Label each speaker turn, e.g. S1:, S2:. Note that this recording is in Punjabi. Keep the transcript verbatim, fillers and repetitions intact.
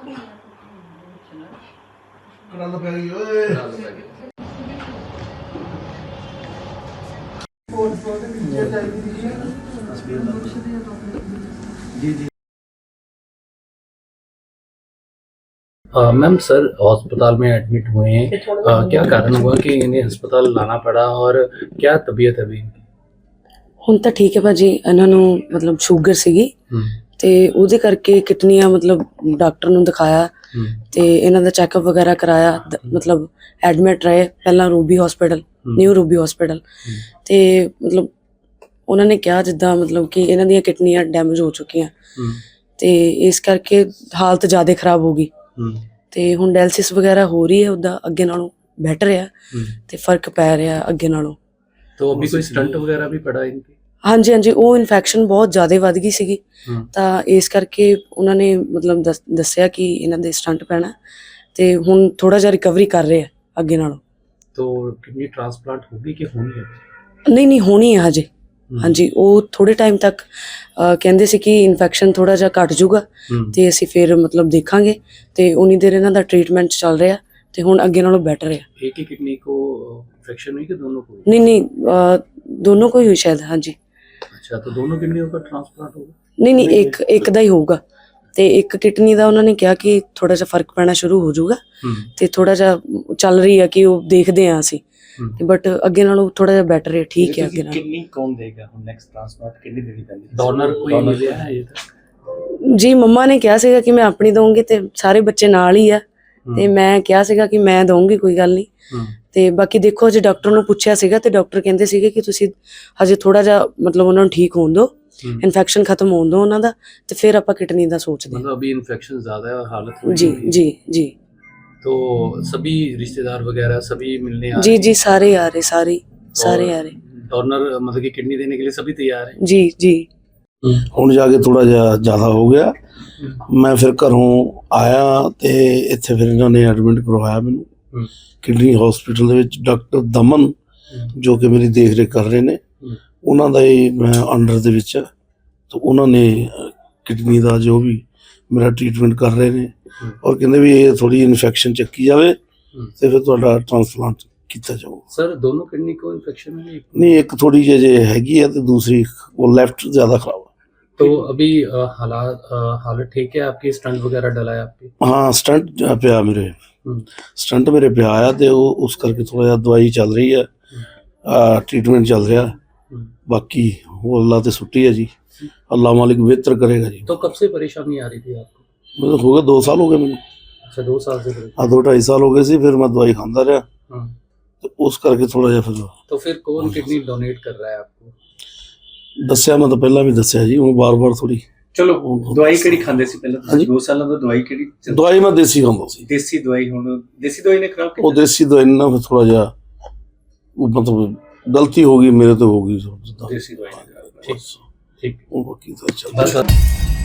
S1: कड़ल पै गई ओए जी जी
S2: मैम सर अस्पताल में एडमिट हुए हैं, आ, क्या कारण हुआ कि इन्हें अस्पताल लाना पड़ा और क्या तबीयत है अभी इनकी?
S3: ਹੁਣ ਤਾਂ ਠੀਕ ਹੈ ਭਾਜੀ। ਇਹਨਾਂ ਨੂੰ ਮਤਲਬ ਸ਼ੂਗਰ ਸੀਗੀ ਤੇ ਉਹਦੇ ਕਰਕੇ ਕਿਡਨੀਆਂ ਮਤਲਬ ਡਾਕਟਰ ਨੂੰ ਦਿਖਾਇਆ ਤੇ ਇਹਨਾਂ ਦਾ ਚੈੱਕਅਪ ਵਗੈਰਾ ਕਰਾਇਆ। ਦ- ਮਤਲਬ ਐਡਮਿਟ ਰਹੇ ਪਹਿਲਾਂ Ruby hospital, new Ruby hospital ਤੇ ਮਤਲਬ ਉਹਨਾਂ ਨੇ ਕਿਹਾ ਜਿੱਦਾਂ ਮਤਲਬ ਕਿ ਇਹਨਾਂ ਦੀਆਂ ਕਿਡਨੀਆਂ ਡੈਮੇਜ ਹੋ ਚੁੱਕੀਆਂ ਤੇ ਇਸ ਕਰਕੇ ਹਾਲਤ ਜ਼ਿਆਦਾ ਖਰਾਬ ਹੋ ਗਈ ਤੇ ਹੁਣ ਡਾਇਲਿਸਿਸ ਵਗੈਰਾ ਹੋ ਰਹੀ ਹੈ। ਉੱਦਾਂ ਅੱਗੇ ਨਾਲੋਂ ਬੈਟਰ ਆ ਤੇ ਫਰਕ ਪੈ ਰਿਹਾ ਅੱਗੇ ਨਾਲੋਂ।
S2: तो अभी कोई स्टंट वगैरह भी पड़ा इनकी?
S3: ਹਾਂਜੀ ਹਾਂਜੀ, ਉਹ ਇਨਫੈਕਸ਼ਨ ਬਹੁਤ ਜ਼ਿਆਦਾ ਵੱਧ ਗਈ ਸੀਗੀ ਤਾਂ ਇਸ ਕਰਕੇ ਉਹਨਾਂ ਨੇ ਮਤਲਬ ਦੱਸ- ਦੱਸਿਆ ਕਿ ਇਹਨਾਂ ਦੇ ਸਟੰਟ ਪੈਣਾ ਤੇ ਹੁਣ ਥੋੜਾ ਜਿਹਾ ਰਿਕਵਰੀ ਕਰ ਰਹੇ ਆ ਅੱਗੇ ਨਾਲੋਂ।
S2: तो किडनी ट्रांसप्लांट होगी कि होनी है?
S3: ਨਹੀਂ ਨਹੀਂ, ਹੋਣੀ ਹੈ ਹਜੇ। ਹਾਂਜੀ, ਉਹ ਥੋੜੇ ਟਾਈਮ ਤੱਕ ਅਹ, ਕਹਿੰਦੇ ਸੀ ਕਿ ਇਨਫੈਕਸ਼ਨ ਥੋੜਾ ਜਿਹਾ ਘਟ ਜਾਊਗਾ ਤੇ ਅਸੀਂ ਫਿਰ ਮਤਲਬ ਦੇਖਾਂਗੇ ਤੇ ਉਨੀ ਦੇਰ ਇਹਨਾਂ ਦਾ ਟ੍ਰੀਟਮੈਂਟ ਚੱਲ ਰਿਹਾ ਤੇ ਹੁਣ ਅੱਗੇ ਨਾਲੋਂ ਬੈਟਰ ਹੈ।
S2: एक ही किडनी को इन्फेक्शन हुई कि दोनों को?
S3: ਨਹੀਂ ਨਹੀਂ, ਅਹ, ਦੋਨੋਂ ਕੋਈ ਹੋਈ ਸ਼ਾयद। ਹਾਂਜੀ,
S2: अच्छा, तो दोनों किडनियों का ट्रांसप्लांट होगा?
S3: ਨਹੀਂ ਨਹੀਂ, ਇੱਕ ਇੱਕ ਦਾ ਹੀ ਹੋਊਗਾ ਤੇ ਇੱਕ ਕਿਡਨੀ ਦਾ ਉਹਨਾਂ ਨੇ ਕਿਹਾ ਕਿ ਥੋੜਾ ਜਿਹਾ ਫਰਕ ਪੈਣਾ ਸ਼ੁਰੂ ਹੋ ਜਾਊਗਾ ਤੇ ਥੋੜਾ ਜਿਹਾ ਚੱਲ ਰਹੀ ਹੈ ਕਿ ਉਹ ਦੇਖਦੇ ਆ ਅਸੀਂ ਬਟ ਅੱਗੇ ਨਾਲੋਂ ਥੋੜਾ ਜਿਹਾ ਬੈਟਰ ਹੈ, ਠੀਕ ਹੈ ਅੱਗੇ ਨਾਲੋਂ।
S4: किडनी कौन देगा ਹੁਣ ਨੈਕਸਟ ਟ੍ਰਾਂਸਪਲਾਂਟ ਕਿਡਨੀ ਦੇਣੀ ਪੈਂਦੀ?
S2: डोनर कोई मिला है ये तक?
S3: ਜੀ ਮੰਮਾ ਨੇ ਕਿਹਾ ਸੀਗਾ ਕਿ ਮੈਂ ਆਪਣੀ ਦਊਂਗੀ ਤੇ ਸਾਰੇ ਬੱਚੇ ਨਾਲ ਹੀ ਆ ਤੇ ਮੈਂ ਕਿਹਾ ਸੀਗਾ ਕਿ ਮੈਂ ਦਊਂਗੀ, ਕੋਈ ਗੱਲ ਨਹੀਂ। ਤੇ ਬਾਕੀ ਦੇਖੋ, ਜੇ ਡਾਕਟਰ ਨੂੰ ਪੁੱਛਿਆ ਸੀਗਾ ਤੇ ਡਾਕਟਰ ਕਹਿੰਦੇ ਸੀਗੇ ਕਿ ਤੁਸੀਂ ਹਜੇ ਥੋੜਾ ਜਿਹਾ ਮਤਲਬ ਉਹਨਾਂ ਨੂੰ ਠੀਕ ਹੋਣ ਦਿਓ, ਇਨਫੈਕਸ਼ਨ ਖਤਮ ਹੋਣ ਦਿਓ ਉਹਨਾਂ ਦਾ ਤੇ ਫਿਰ ਆਪਾਂ ਕਿਡਨੀ ਦਾ ਸੋਚਦੇ ਹਾਂ।
S2: मतलब अभी इन्फेक्शन ज्यादा है और हालत थोड़ी
S3: ਜੀ
S2: गंभीर है।
S3: ਜੀ ਜੀ
S2: तो सभी रिश्तेदार वगैरह सभी मिलने आ
S3: ਜੀ
S2: रहे हैं?
S3: ਜੀ, ਸਾਰੇ ਆ ਰਹੇ, ਸਾਰੇ ਸਾਰੇ ਆ ਰਹੇ।
S2: डोनर मतलब कि किडनी देने के लिए सभी तैयार हैं?
S3: ਜੀ ਜੀ
S1: ਹੁਣ ਜਾ ਕੇ ਥੋੜਾ ਜਿਹਾ ਜ਼ਿਆਦਾ ਹੋ ਗਿਆ। ਮੈਂ ਫਿਰ ਘਰੋਂ ਆਇਆ ਤੇ ਇੱਥੇ ਫਿਰ ਇਹਨਾਂ ਨੇ ਐਡਮਿਟ ਕਰਵਾਇਆ ਮੈਨੂੰ ਕਿਡਨੀ ਹਸਪੀਟਲ ਦੇ ਵਿੱਚ। ਡਾਕਟਰ ਦਮਨ ਜੋ ਕਿ ਮੇਰੀ ਦੇਖ ਰੇਖ ਕਰ ਰਹੇ ਨੇ, ਉਹਨਾਂ ਦਾ ਹੀ ਮੈਂ ਅੰਡਰ ਦੇ ਵਿੱਚ, ਤਾਂ ਉਹਨਾਂ ਨੇ ਕਿਡਨੀ ਦਾ ਜੋ ਵੀ ਮੇਰਾ ਟ੍ਰੀਟਮੈਂਟ ਕਰ ਰਹੇ ਨੇ ਔਰ ਕਹਿੰਦੇ ਵੀ ਇਹ ਥੋੜੀ ਇਨਫੈਕਸ਼ਨ ਚੱਕੀ ਜਾਵੇ ਤੇ ਫਿਰ ਤੁਹਾਡਾ ਟ੍ਰਾਂਸਪਲਾਂਟ ਕੀਤਾ ਜਾਊਗਾ।
S2: सर दोनों किडनी को इन्फेक्शन है?
S1: ਨਹੀਂ, ਇੱਕ ਥੋੜੀ ਜਿਹੀ ਜੇ ਹੈਗੀ ਹੈ ਤੇ ਦੂਸਰੀ ਉਹ ਲੈਫਟ ਜ਼ਿਆਦਾ ਖਰਾਬ ਹੈ।
S2: तो अभी अ, हालात अ, हालत ठीक है आपकी? स्टंट वगैरह डला है आपकी?
S1: ਹਾਂ, ਸਟੰਟ ਪਿਆ ਮੇਰੇ, ਸਟੰਟ ਮੇਰੇ ਪਿਆ ਆ ਤੇ ਉਹ ਉਸ ਕਰਕੇ ਥੋੜਾ ਜਿਹਾ ਦਵਾਈ ਚੱਲ ਰਹੀ ਹੈ, ਟ੍ਰੀਟਮੈਂਟ ਚੱਲ ਰਿਹਾ। ਬਾਕੀ ਉਹ ਅੱਲਾ ਤੇ ਸੁੱਟੀ ਹੈ ਜੀ, ਅੱਲਾ ਮਾਲਿਕ ਬਿਹਤਰ ਕਰੇਗਾ ਜੀ।
S2: तो कब से परेशानी आ रही थी आपको?
S1: ਮੈਨੂੰ ਹੋ ਗਏ ਦੋ ਸਾਲ ਹੋ ਗਏ ਮੈਨੂੰ,
S2: अच्छा, दो साल से परेशान।
S1: ਆ ਦੋ ਢਾਈ ਸਾਲ ਹੋ ਗਏ ਸੀ। ਫਿਰ ਮੈਂ ਦਵਾਈ ਖਾਂਦਾ ਰਿਹਾ
S2: हाँ।
S1: ਤੇ ਉਸ ਕਰਕੇ ਥੋੜਾ ਜਿਹਾ ਫਿਰ
S2: तो फिर कौन किडनी डोनेट कर रहा है आपको?
S1: ਦੱਸਿਆ, ਮੈਂ ਤਾਂ ਪਹਿਲਾਂ ਵੀ ਦੱਸਿਆ ਜੀ, ਉਹ ਬਾਰ-ਬਾਰ ਥੋੜੀ।
S4: ਚਲੋ ਦਵਾਈ ਕਿਹੜੀ ਖਾਂਦੇ ਸੀ ਪਹਿਲਾਂ
S1: ਹਾਂਜੀ।
S4: ਤੁਸੀਂ? ਦੋ ਸਾਲਾਂ ਤੋਂ ਦਵਾਈ ਕਿਹੜੀ ਚੱਲ-
S1: ਦਵਾਈ ਮੈਂ ਦੇਸੀ ਖਾਂਦਾ ਸੀ।
S4: ਦੇਸੀ ਦਵਾਈ ਹੁਣ ਦੇਸੀ ਦਵਾਈ ਨੇ ਖਰਾਬ
S1: ਉਹ
S4: ਕੀਤਾ?
S1: ਦੇਸੀ ਦਵਾਈ ਨਾਲ ਫਿਰ ਥੋੜਾ ਜਿਹਾ ਉਹ ਮਤਲਬ ਗਲਤੀ ਹੋ ਗਈ ਮੇਰੇ ਤੋਂ, ਹੋ ਗਈ ਜਿੱਦਾਂ।
S4: ਦੇਸੀ ਦਵਾਈ ਨੇ ਖਰਾਬ ਕੀਤਾ।
S2: ठीक ठीक।
S1: ਉਹ ਬਾਕੀ ਤਾਂ ਚੱਲਦਾ।
S2: बस